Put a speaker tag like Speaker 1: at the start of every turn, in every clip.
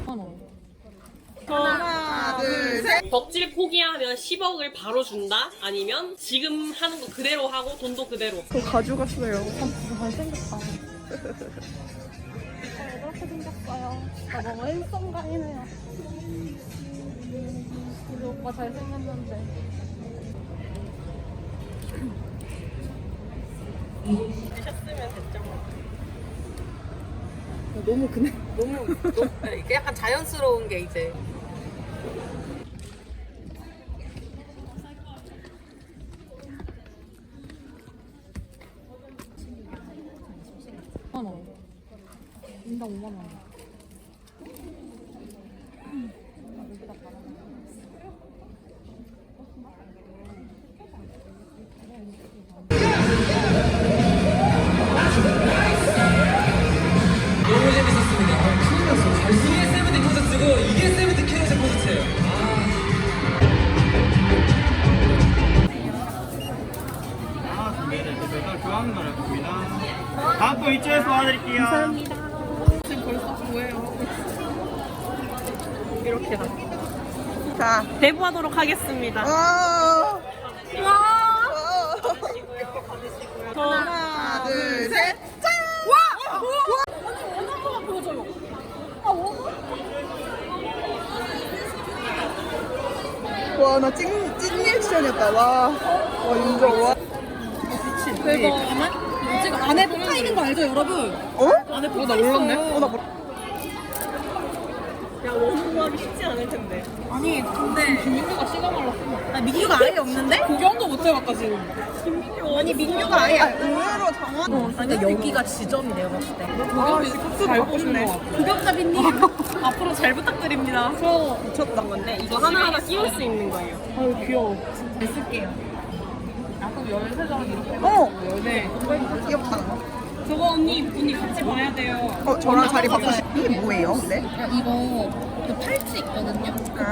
Speaker 1: 하나, 둘, 셋.
Speaker 2: 덕질 포기하면 10억을 바로 준다? 아니면 지금 하는 거 그대로 하고 돈도 그대로?
Speaker 1: 그거 가져갔어요.
Speaker 3: 잘생겼다. 이렇게 생겼어요. 나 너무 일성가이네요. 우리 오빠 잘생겼는데.
Speaker 2: 하셨으면 됐죠.
Speaker 1: 너무 그네.
Speaker 2: 너무 이게 약간 자연스러운 게 이제
Speaker 3: 인당 5만 원.
Speaker 4: 너무 재밌었습니다. 큰일 났어. 이게 세븐틴 콘서트고 이게 세븐틴 캐럿의 콘서트예요.
Speaker 5: 네, 그래서 교환 거였습니다. 다음 거 이쪽에서 도와드릴게요. 감사합니다.
Speaker 2: 지금 벌써 뭐예요? 이렇게
Speaker 1: 자,
Speaker 2: 대부하도록 하겠습니다.
Speaker 1: 와.
Speaker 2: 하나,
Speaker 1: 둘, 셋. 와, 나 찐 리액션이었다. 와, 인정. 와.
Speaker 3: 대박. 지금 안에 붙어 있는 거 알죠, 여러분?
Speaker 1: 어?
Speaker 3: 안에 붙어 있어요.
Speaker 1: 나 몰라.
Speaker 2: 야, 원고하기 쉽지 않을 텐데.
Speaker 3: 아니, 근데 민규가 씨가 말랐어. 아, 민규가 아예 없는데? 구경도 못 해봤다, 지금. 아니, 민규가 아예.
Speaker 1: 의외로 정한.
Speaker 3: 근데 여기가 지점이 내가 봤을 때.
Speaker 1: 잘 보고 싶네.
Speaker 3: 구경자빈님, 앞으로 잘 부탁드립니다. 저
Speaker 2: 미쳤다 건데 이거 하나하나 끼울 수 있는 거예요.
Speaker 3: 아유, 귀여워. 잘 쓸게요. 아, 그럼 13장 이렇게.
Speaker 1: 어,
Speaker 3: 네.
Speaker 1: 귀엽다.
Speaker 2: 저거 언니 같이 봐야 돼요.
Speaker 1: 저랑 자리 바꾸시. 이게 뭐예요, 근데?
Speaker 3: 이거 그 팔찌 있거든요?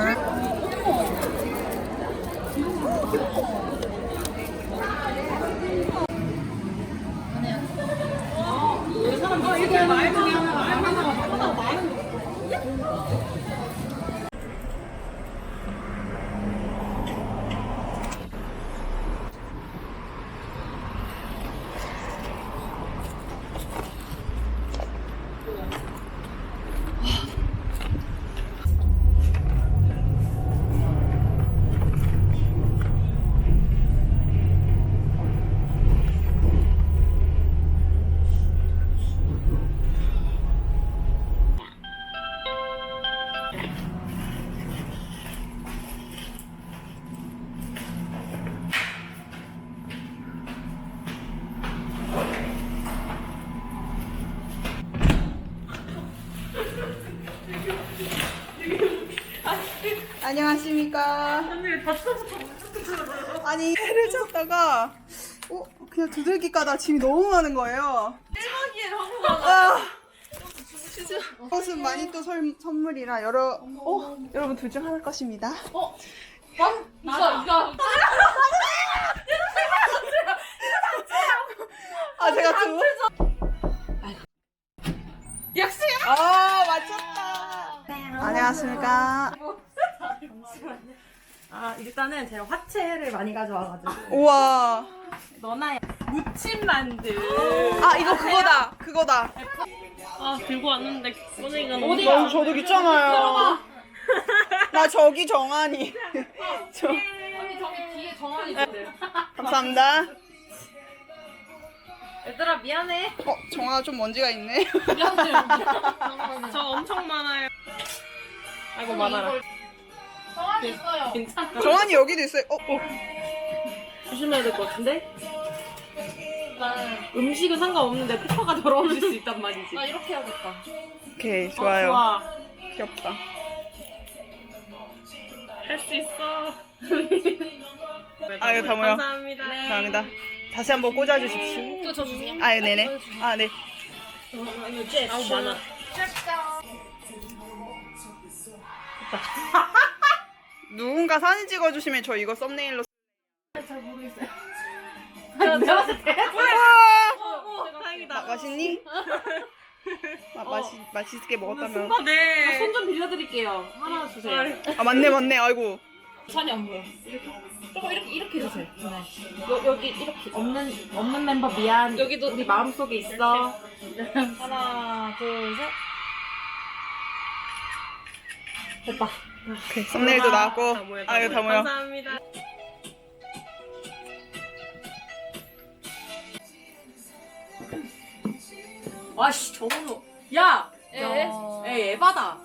Speaker 1: 안녕하십니까. 아니, 해를 찾다가, 그냥 두들기 까다 짐이 너무 많은 거예요. 1박이에요, 한국어. 진짜. 이것은 많이 또 선물이라 여러분 둘 중 하나일 것입니다. 제가 두. 역시. 맞췄다. 안녕하십니까.
Speaker 3: 일단은 제가 화채를 많이 가져와가지고.
Speaker 1: 우와.
Speaker 3: 너나 무침 만두.
Speaker 1: 이거 그거다.
Speaker 2: 들고 왔는데 꺼내기가
Speaker 1: 너무 저도 있잖아요. 나 저기 정한이.
Speaker 3: 언니 저기 뒤에 정한이 있는데.
Speaker 1: 감사합니다.
Speaker 3: 얘들아 미안해.
Speaker 1: 정아 좀 먼지가 있네.
Speaker 2: 저 엄청 많아요. 아이고 많아라.
Speaker 3: 정한이 있어요.
Speaker 2: 괜찮아.
Speaker 1: 정한이 여기도 있어요.
Speaker 2: 조심해야 될 것 같은데? 음식은 상관없는데 페퍼가 더러워질 수 있단 말이지.
Speaker 3: 나 이렇게 해야겠다.
Speaker 1: 오케이, 좋아요.
Speaker 2: 좋아.
Speaker 1: 귀엽다.
Speaker 2: 할 수 있어.
Speaker 1: 아유, 다모요.
Speaker 2: 감사합니다.
Speaker 1: 감사합니다. 다시 한번 꽂아주십시오.
Speaker 3: 또 저 주세요.
Speaker 1: 네네. 네.
Speaker 2: 아우 많아.
Speaker 1: 누군가 사진 찍어주시면 저 이거 썸네일로.
Speaker 3: 잘 모르겠어요.
Speaker 2: 내가 봤을 때.
Speaker 1: 우와!
Speaker 2: 다행이다.
Speaker 1: 맛있니? 맛있게 먹었다면.
Speaker 2: 네.
Speaker 3: 손 좀 빌려드릴게요. 하나 주세요.
Speaker 1: 아 맞네. 아이고.
Speaker 3: 산이 안 보여. 조금 이렇게 해주세요. 여기 이렇게 없는 멤버 미안. 여기도 우리 마음속에 있어. 하나, 둘, 셋. 됐다.
Speaker 1: 오케이. 썸네일도 나왔고. 아 이거 다 모여.
Speaker 2: 감사합니다.
Speaker 3: 아씨 저거는 야. 에바다.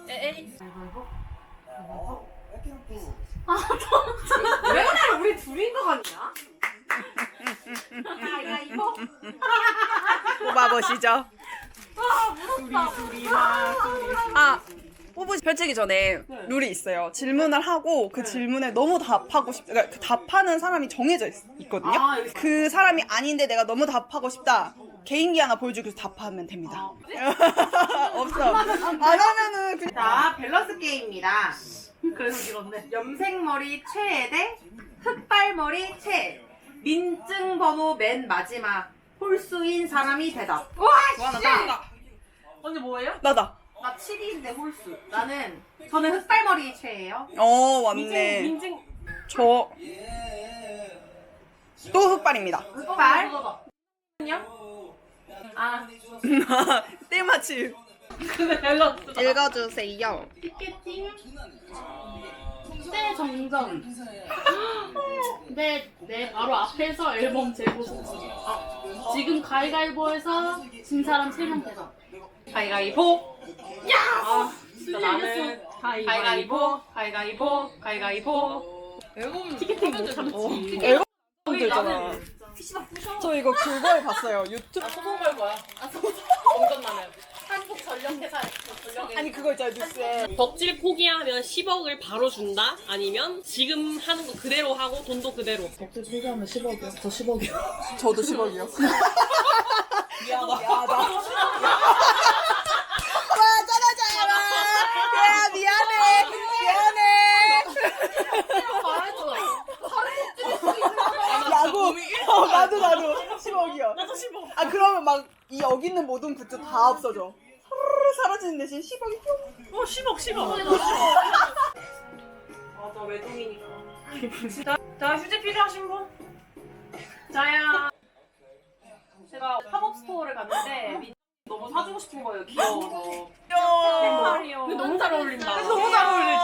Speaker 3: 왜 그래? 우리 둘인 거 같냐? 야 이거.
Speaker 1: 뽑아보시죠. 펼치기 전에 룰이 있어요. 질문을 하고 그 질문에 너무 답하고 싶다. 그러니까 그 답하는 사람이 정해져 있거든요. 그 사람이 아닌데 내가 너무 답하고 싶다. 개인기 하나 보여주고 답하면 됩니다. 없어. 안 하면은 그냥.
Speaker 3: 자, 밸런스 게임입니다. 그래서 이런데 염색머리 최애 대 흑발머리 최애. 민증 번호 맨 마지막 홀수인 사람이 대답. 와, 나다. 언니 뭐예요?
Speaker 1: 나다.
Speaker 3: 나 7위인데 홀수. 저는 흑발머리 최애예요.
Speaker 1: 맞네.
Speaker 2: 민증.
Speaker 1: 저 또 흑발입니다.
Speaker 3: 흑발. 아,
Speaker 1: 때마침.
Speaker 2: 밸런스.
Speaker 1: 읽어주세요.
Speaker 3: 피켓팅. 때 정전. 내 바로 앞에서 앨범 재고 싶지. 지금 가위가위보에서 진 사람 3명 대답.
Speaker 2: 가위가위보.
Speaker 3: 야!
Speaker 2: 진짜 나는
Speaker 3: 가위가위보.
Speaker 2: 앨범 티켓팅 못 참지.
Speaker 1: 앨범 들잖아. 저 이거 그거에 봤어요. 유튜브.
Speaker 3: 소송 걸 거야. 정전 나면. 한국 전력회사에 전력에.
Speaker 1: 아니 그거 있잖아요 뉴스에.
Speaker 2: 덕질 포기하면 10억을 바로 준다? 아니면 지금 하는 거 그대로 하고 돈도 그대로.
Speaker 3: 덕질 포기하면 10억이요. 저 10억이요.
Speaker 1: 저도 10억이요. 미안하다. 와 짜라짜라. 야 미안해. 야구. 나도 10억이요. 나도 10억. 아 그러면 막 이 여기 있는 모든 굿즈 다 없어져. 후루루 사라지는 대신 10억이 뿅.
Speaker 2: 10억. 나 외동이니까. 자, 휴지 필요하신 분? 자야.
Speaker 3: 제가 팝업 스토어를 갔는데 너무 사주고 싶은 거예요. 귀여워서.
Speaker 2: 근데 너무 잘 어울린다.
Speaker 1: 너무 잘 어울리지.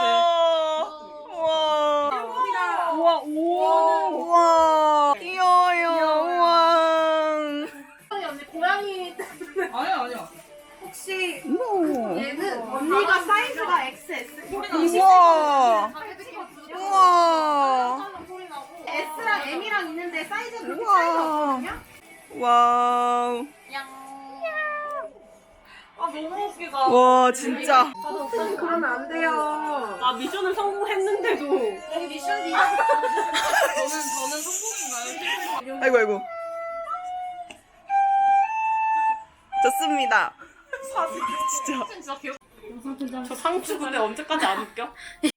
Speaker 1: 우와. 우와. 귀여워요. 우와.
Speaker 3: 언니 고양이
Speaker 5: 아니야.
Speaker 3: 혹시
Speaker 1: 우와.
Speaker 3: 얘는 언니가 사이즈가 XS
Speaker 1: 우와. 우와.
Speaker 3: S랑 M이랑 있는데 사이즈가 그렇게
Speaker 1: 우와.
Speaker 3: 차이가 없거든요?
Speaker 1: 와우.
Speaker 2: 너무 웃기다.
Speaker 1: 와 진짜.
Speaker 3: 그러면 안 돼요.
Speaker 2: 나 미션을 성공했는데도.
Speaker 3: 여기 미션
Speaker 2: 저는 성공인가요?
Speaker 1: 아이고. 좋습니다. 진짜.
Speaker 2: 저 상추 근데 언제까지 안 웃겨?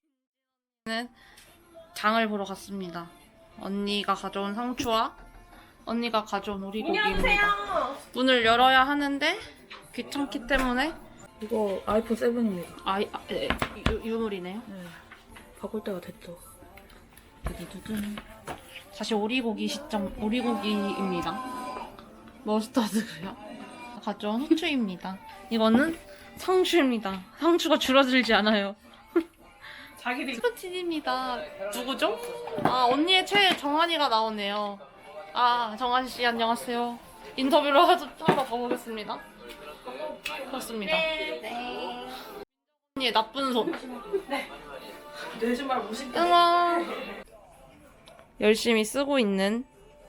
Speaker 6: 장을 보러 갔습니다. 언니가 가져온 상추와 언니가 가져온 오리고기입니다. 문을 열어야 하는데 귀찮기 때문에
Speaker 3: 이거 아이폰 7입니다.
Speaker 6: 유물이네요.
Speaker 3: 바꿀 때가 됐죠.
Speaker 6: 두두두둔. 다시 오리고기입니다. 머스타드고요. 가져온 후추입니다. 이거는 상추입니다. 상추가 줄어들지 않아요.
Speaker 2: 자기들이.
Speaker 6: 스포틴입니다. 누구죠? 언니의 최애 정한이가 나오네요. 정한씨 안녕하세요. 인터뷰를 하러 가보겠습니다. 그렇습니다. 언니의 나쁜 손.
Speaker 2: 내 신발 못 신고.
Speaker 6: 응원. 열심히 쓰고 있는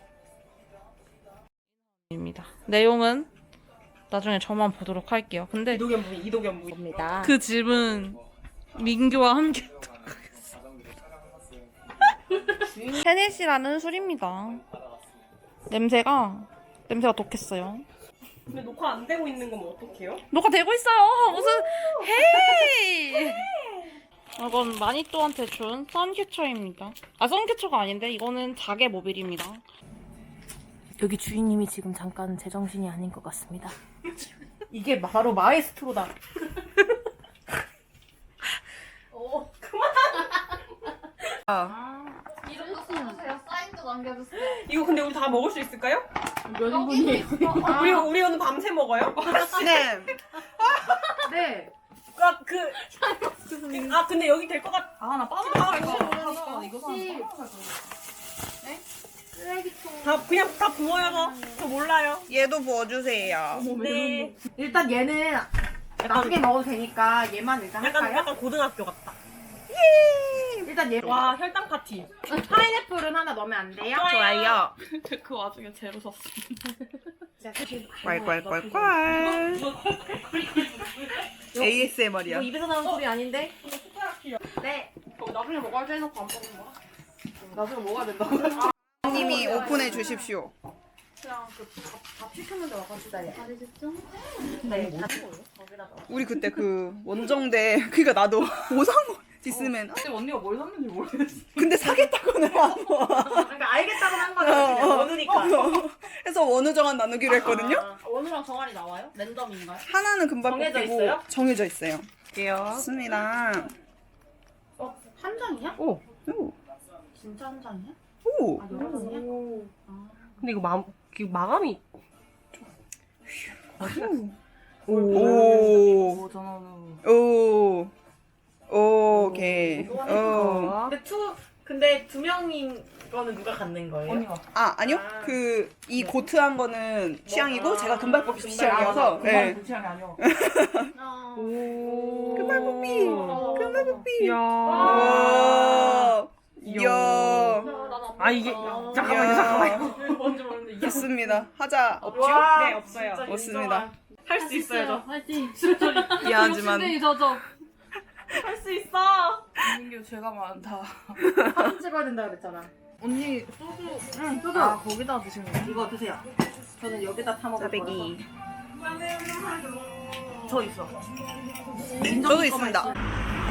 Speaker 6: 입니다. 내용은 나중에 저만 보도록 할게요. 근데
Speaker 1: 이도겸입니다.
Speaker 6: 그 집은 민규와 함께 하겠습니다. 헤네시라는 술입니다. 냄새가 독했어요.
Speaker 2: 근데 녹화 안 되고 있는 건 어떡해요?
Speaker 6: 녹화 되고 있어요. 무슨 헤이. 이건 마니또한테 준 선캐쳐입니다. 선캐쳐가 아닌데 이거는 자개 모빌입니다.
Speaker 7: 여기 주인님이 지금 잠깐 제정신이 아닌 것 같습니다.
Speaker 3: 이게 바로 마에스트로다.
Speaker 2: 이거 근데 우리 다 먹을 수 있을까요?
Speaker 3: 몇 인분이에요?
Speaker 2: 우리 오늘 밤새 먹어요?
Speaker 1: 네.
Speaker 3: 네.
Speaker 2: 근데 여기 될 것 같아.
Speaker 6: 아나 빠져나갈까 이거
Speaker 2: 다 그냥 다 부어요. 저 몰라요.
Speaker 1: 얘도 부어주세요.
Speaker 2: 네.
Speaker 3: 일단 얘는 나중에 먹어도 되니까 얘만 일단 할까요?
Speaker 2: 약간 고등학교 같다.
Speaker 3: 일단 얘.
Speaker 2: 와 혈당 파티.
Speaker 3: 파인애플은 하나 넣으면 안 돼요?
Speaker 1: 좋아요.
Speaker 6: 그 와중에 제로 샀어.
Speaker 1: 괄괄괄괄. ASMR이야.
Speaker 3: 이거 입에서 나오는 소리 아닌데? 네.
Speaker 2: 나중에 먹어야지 해놓고 안 먹는 거야.
Speaker 3: 나중에 먹어야 된다고.
Speaker 1: 님이 오픈해 주십시오.
Speaker 3: 밥 시켰는데 와가지고 얘.
Speaker 1: 우리 그때 그 원정대 그니까 나도 오상호 디스맨.
Speaker 6: 근데 언니가 뭘 샀는지 모르겠어.
Speaker 1: 근데 사겠다고는 안 와.
Speaker 3: 그러니까 알겠다고 한 거야. 그냥 원우니까.
Speaker 1: 해서 원우 정한 나누기로 했거든요.
Speaker 3: 원우랑 정한이 나와요? 랜덤인가요?
Speaker 1: 하나는 금방
Speaker 3: 정해져
Speaker 1: 뽑히고
Speaker 3: 있어요?
Speaker 1: 정해져 있어요. 좋습니다.
Speaker 3: 한 장이야?
Speaker 1: 오.
Speaker 3: 진짜 한 장이야?
Speaker 1: 오.
Speaker 3: 아, 여러 장이야?
Speaker 2: 근데 이거 마감이
Speaker 1: 오.
Speaker 6: 전화는
Speaker 1: 오. 오케이. 오.
Speaker 3: 근데 두 명인 거는 누가 갖는 거예요?
Speaker 6: 언니가
Speaker 1: 아, 아니요. 그 이 고트한 거는 취향이고 제가 금발 뽑기 취향이어서. 네.
Speaker 6: 그 취향이 아니야.
Speaker 1: 금발 뽑기. 금발 뽑기.
Speaker 2: 야.
Speaker 1: 와. 이야.
Speaker 2: 아 이게
Speaker 1: 이야.
Speaker 2: 잠깐만요.
Speaker 3: 뭔지 모르는데 이게
Speaker 1: 좋습니다. 하자 없죠?
Speaker 2: 네 없어요.
Speaker 1: 없습니다.
Speaker 2: 할 수 있어요 저.
Speaker 1: 미안하지만
Speaker 2: 할 수 있어.
Speaker 6: 민규 죄가 많다.
Speaker 3: 사진 찍어야 된다 그랬잖아.
Speaker 6: 언니 소주.
Speaker 3: 응, 소주.
Speaker 6: 아 거기다 드시는 거야?
Speaker 3: 이거 드세요. 저는 여기다 타 먹을 거라서.
Speaker 1: 짜배기.
Speaker 3: 저 있어.
Speaker 1: 저도 있습니다.